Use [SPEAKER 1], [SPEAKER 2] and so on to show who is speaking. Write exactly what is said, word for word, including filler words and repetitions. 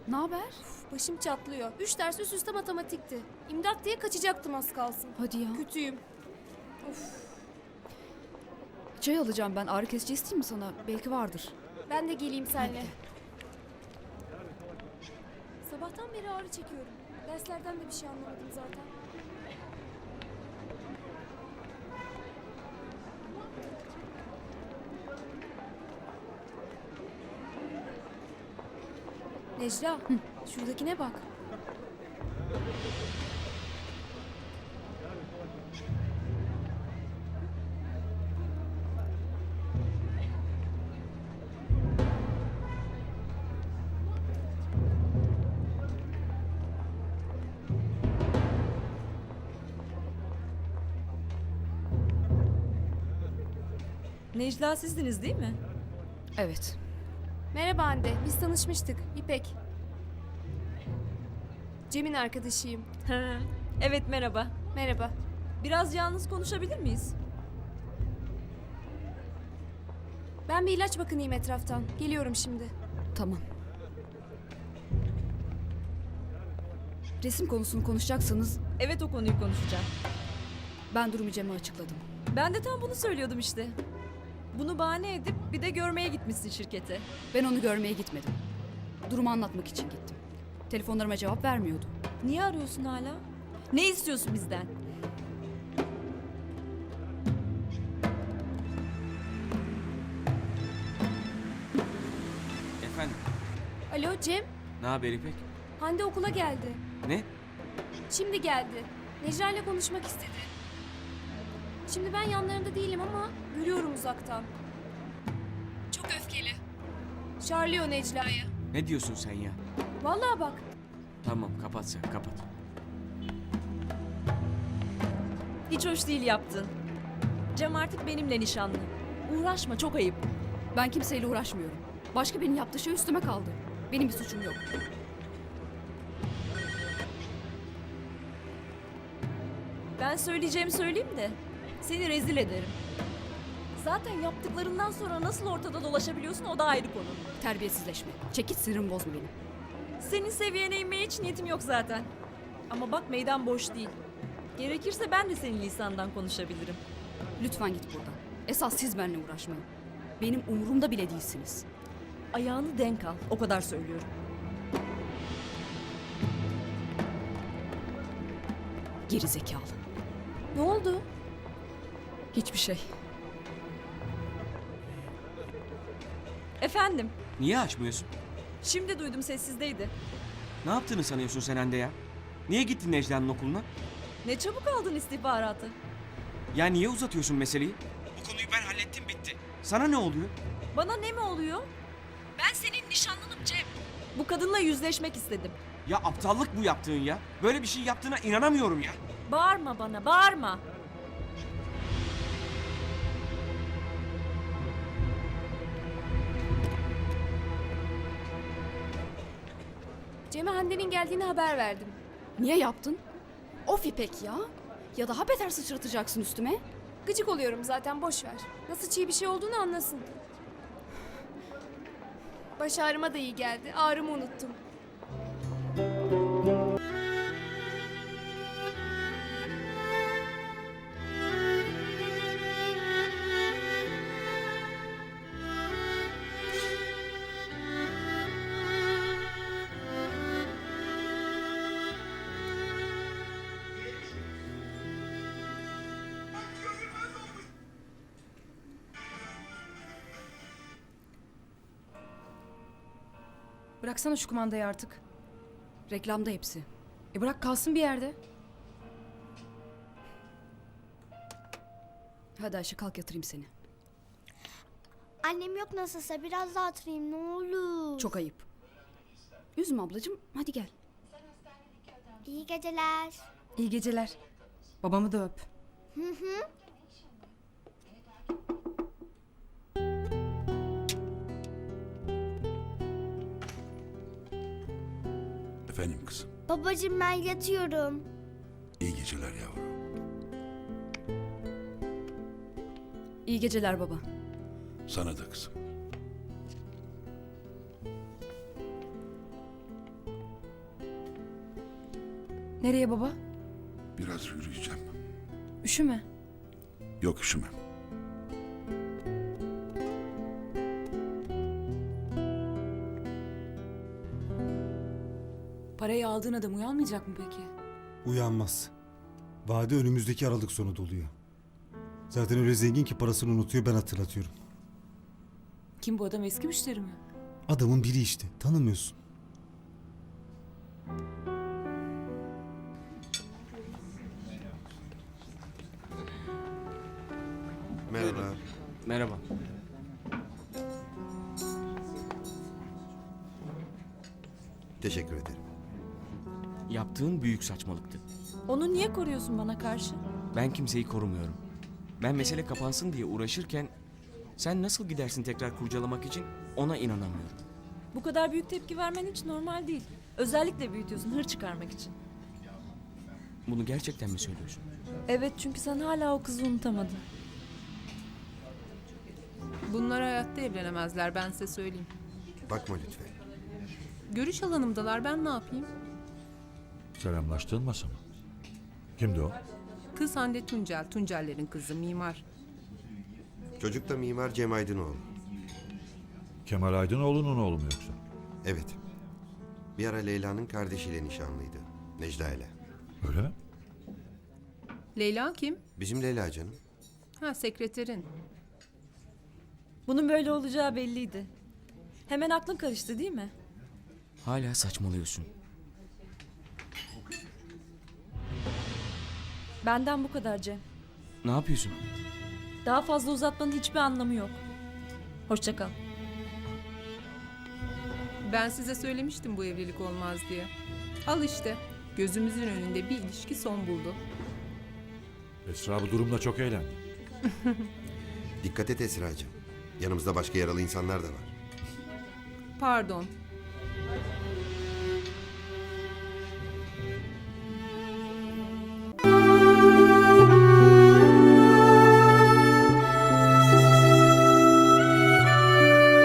[SPEAKER 1] Ne haber?
[SPEAKER 2] Başım çatlıyor. Üç ders üst üste matematikti. İmdat diye kaçacaktım az kalsın.
[SPEAKER 1] Hadi ya.
[SPEAKER 2] Kötüyüm.
[SPEAKER 1] Çay alacağım ben. Ağrı kesici isteyeyim mi sana? Belki vardır.
[SPEAKER 2] Ben de geleyim seninle. Sabahtan beri ağrı çekiyorum. Derslerden de bir şey anlamadım zaten. Necla, Hı. şuradakine bak.
[SPEAKER 3] Necla sizdiniz değil mi?
[SPEAKER 1] Evet.
[SPEAKER 2] Merhaba Hande, biz tanışmıştık. İpek. Cem'in arkadaşıyım.
[SPEAKER 3] Evet merhaba.
[SPEAKER 2] Merhaba.
[SPEAKER 3] Biraz yalnız konuşabilir miyiz?
[SPEAKER 2] Ben bir ilaç bakınayım etraftan. Geliyorum şimdi.
[SPEAKER 1] Tamam. Resim konusunu konuşacaksanız
[SPEAKER 3] Evet o konuyu konuşacağım.
[SPEAKER 1] ben durumu Cem'e açıkladım.
[SPEAKER 3] Ben de tam bunu söylüyordum işte. Bunu bahane edip bir de görmeye gitmişsin şirkete.
[SPEAKER 1] Ben onu görmeye gitmedim. Durumu anlatmak için gittim. Telefonlarıma cevap vermiyordu.
[SPEAKER 3] Niye arıyorsun hala? Ne istiyorsun bizden?
[SPEAKER 4] Efendim,
[SPEAKER 2] Alo Cem,
[SPEAKER 4] ne haber İpek?
[SPEAKER 2] Hande okula geldi.
[SPEAKER 4] Ne?
[SPEAKER 2] Şimdi geldi. Necla ile konuşmak istedi. Şimdi ben yanlarında değilim ama görüyorum uzaktan. Çok öfkeli. Şarlıyor Necla'yı.
[SPEAKER 4] Ne diyorsun sen ya?
[SPEAKER 2] Vallahi bak.
[SPEAKER 4] Tamam, kapat sen, kapat.
[SPEAKER 3] Hiç hoş değil yaptın. Cem artık benimle nişanlı. Uğraşma çok ayıp.
[SPEAKER 1] Ben kimseyle uğraşmıyorum. Başka birinin yaptığı şey üstüme kaldı. Benim bir suçum yok.
[SPEAKER 3] Ben söyleyeceğimi söyleyeyim de seni rezil ederim. Zaten yaptıklarından sonra nasıl ortada dolaşabiliyorsun o da ayrı konu.
[SPEAKER 1] Terbiyesizleşme. Çekit, sinirimi bozma benim.
[SPEAKER 3] Senin seviyene inmeye hiç niyetim yok zaten. Ama bak meydan boş değil. Gerekirse ben de senin lisandan konuşabilirim.
[SPEAKER 1] Lütfen git buradan. Esas siz benimle uğraşmayın. Benim umurumda bile değilsiniz.
[SPEAKER 3] Ayağını denk al, o kadar söylüyorum.
[SPEAKER 1] Geri zekalı.
[SPEAKER 2] Ne oldu?
[SPEAKER 1] Hiçbir şey.
[SPEAKER 3] Efendim,
[SPEAKER 4] Niye açmıyorsun?
[SPEAKER 3] şimdi duydum sessizdeydi.
[SPEAKER 4] Ne yaptığını sanıyorsun sen Hande ya? Niye gittin Necla'nın okuluna?
[SPEAKER 3] Ne çabuk aldın istihbaratı.
[SPEAKER 4] Ya niye uzatıyorsun meseleyi? Bu konuyu ben hallettim, bitti. Sana ne oluyor?
[SPEAKER 3] Bana ne mi oluyor? Ben senin nişanlınım Cem. Bu kadınla yüzleşmek istedim.
[SPEAKER 4] Ya aptallık bu yaptığın ya. Böyle bir şey yaptığına inanamıyorum ya.
[SPEAKER 3] Bağırma bana, bağırma.
[SPEAKER 2] Cem'e Hande'nin geldiğini haber verdim.
[SPEAKER 1] Niye yaptın? Of İpek ya. Ya daha beter sıçratacaksın üstüme.
[SPEAKER 2] Gıcık oluyorum zaten, boş ver. Nasıl çiğ bir şey olduğunu anlasın. Baş ağrıma da iyi geldi. Ağrımı unuttum.
[SPEAKER 5] Bıraksana şu kumandayı artık.
[SPEAKER 1] Reklamda hepsi.
[SPEAKER 5] E bırak kalsın bir yerde.
[SPEAKER 1] Hadi Ayşe, kalk yatırayım seni.
[SPEAKER 6] Annem yok nasılsa biraz daha oturayım ne olur.
[SPEAKER 1] Çok ayıp. Üzme ablacığım, hadi gel.
[SPEAKER 6] İyi geceler.
[SPEAKER 5] İyi geceler. Babamı da öp.
[SPEAKER 6] Hı hı.
[SPEAKER 7] Efendim kızım.
[SPEAKER 6] Babacığım ben yatıyorum.
[SPEAKER 7] İyi geceler yavrum.
[SPEAKER 1] İyi geceler baba.
[SPEAKER 7] Sana da kızım.
[SPEAKER 5] Nereye baba?
[SPEAKER 7] Biraz yürüyeceğim.
[SPEAKER 5] Üşüme.
[SPEAKER 7] Yok üşümem.
[SPEAKER 8] Parayı aldığın adam uyanmayacak mı peki?
[SPEAKER 9] Uyanmaz. Vade önümüzdeki Aralık sonu doluyor. Zaten öyle zengin ki parasını unutuyor, ben hatırlatıyorum.
[SPEAKER 8] Kim bu adam, eski müşteri mi?
[SPEAKER 9] Adamın biri işte, tanımıyorsun.
[SPEAKER 10] Merhaba.
[SPEAKER 4] Merhaba.
[SPEAKER 10] Teşekkür ederim.
[SPEAKER 4] Yaptığın büyük saçmalıktı.
[SPEAKER 3] Onu niye koruyorsun bana karşı?
[SPEAKER 4] Ben kimseyi korumuyorum. Ben mesele kapansın diye uğraşırken sen nasıl gidersin tekrar kurcalamak için ona inanamıyorum.
[SPEAKER 3] Bu kadar büyük tepki vermen hiç normal değil. Özellikle büyütüyorsun hır çıkarmak için.
[SPEAKER 4] Bunu gerçekten mi söylüyorsun?
[SPEAKER 3] Evet, çünkü sen hala o kızı unutamadın.
[SPEAKER 11] Bunlar hayatta evlenemezler, ben size söyleyeyim.
[SPEAKER 10] Bakma lütfen.
[SPEAKER 11] Görüş alanımdalar, ben ne yapayım?
[SPEAKER 7] Selamlaştığın masa mı? Kimdi o?
[SPEAKER 11] Kız Hande Tuncel, Tuncellerin kızı, mimar.
[SPEAKER 10] Çocuk da mimar Cem Aydınoğlu.
[SPEAKER 7] Kemal Aydınoğlu'nun oğlu mu yoksa?
[SPEAKER 10] Evet. Bir ara Leyla'nın kardeşiyle nişanlıydı. Necla ile.
[SPEAKER 7] Öyle mi?
[SPEAKER 11] Leyla kim?
[SPEAKER 10] Bizim Leyla canım.
[SPEAKER 11] Ha, sekreterin.
[SPEAKER 3] Bunun böyle olacağı belliydi. Hemen aklın karıştı değil mi?
[SPEAKER 4] Hala saçmalıyorsun.
[SPEAKER 3] Benden bu kadar Cem.
[SPEAKER 4] Ne yapıyorsun?
[SPEAKER 3] Daha fazla uzatmanın hiçbir anlamı yok. Hoşça kal.
[SPEAKER 11] Ben size söylemiştim bu evlilik olmaz diye. Al işte, gözümüzün önünde bir ilişki son buldu.
[SPEAKER 7] Esra bu durumda çok eğlendi.
[SPEAKER 10] Dikkat et Esra'cığım. Yanımızda başka yaralı insanlar da var.
[SPEAKER 11] Pardon,